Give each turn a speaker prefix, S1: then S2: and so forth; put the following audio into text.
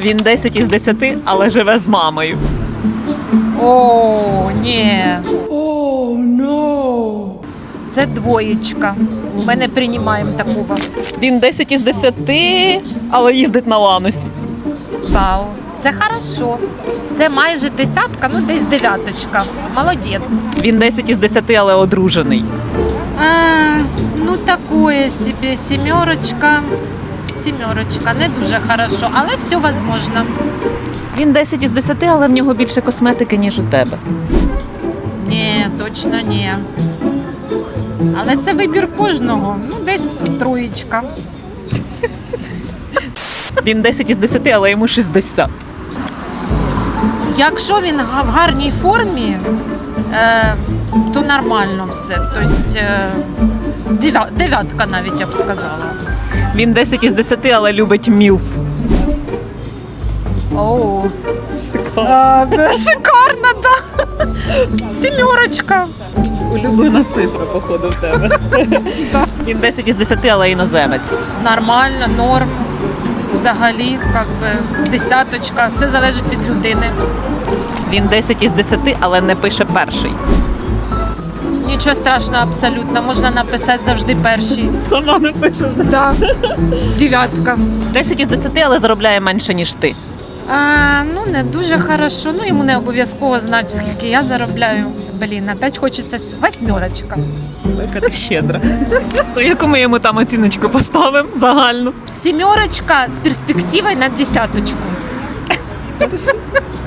S1: Він 10 із 10, але живе з мамою.
S2: О, ні. Це двоєчка. Ми не приймаємо такого.
S1: Він 10 із 10, але їздить на ланосі.
S2: Вау. Це хорошо. Це майже десятка, ну десь дев'яточка. Молодець.
S1: Він 10 із 10, але одружений.
S2: Ну, такое собі. Сімерочка. Сімерочка. Не дуже хорошо, але все возможно.
S1: Він 10 із 10, але в нього більше косметики, ніж у тебе.
S2: Ні, точно ні. Але це вибір кожного. Ну, десь троєчка.
S1: Він 10 із 10, але йому 60.
S2: Якщо він в гарній формі, то нормально все. Тобто дев'ятка навіть, я б сказала.
S1: Він 10 із 10, але любить мілф.
S2: Оу. Шикарно, да. Сімерочка.
S1: Улюблена цифра, походу, в тебе. Він 10 із 10, але іноземець.
S2: Нормально, норм. Взагалі, як би, десяточка. Все залежить від людини.
S1: Він 10 із 10, але не пише перший.
S2: Нічого страшного абсолютно. Можна написати завжди перший.
S1: Сама не пише.
S2: Да. Дев'ятка.
S1: 10 із 10, але заробляє менше, ніж ти.
S2: Ну, не дуже хорошо. Ну, йому не обов'язково знати, скільки я заробляю. Блін, опять хочеться восьмерочка.
S1: Яка ти щедра. То яку ми йому там оціночку поставимо загальну?
S2: Сімерочка з перспективою на десяточку.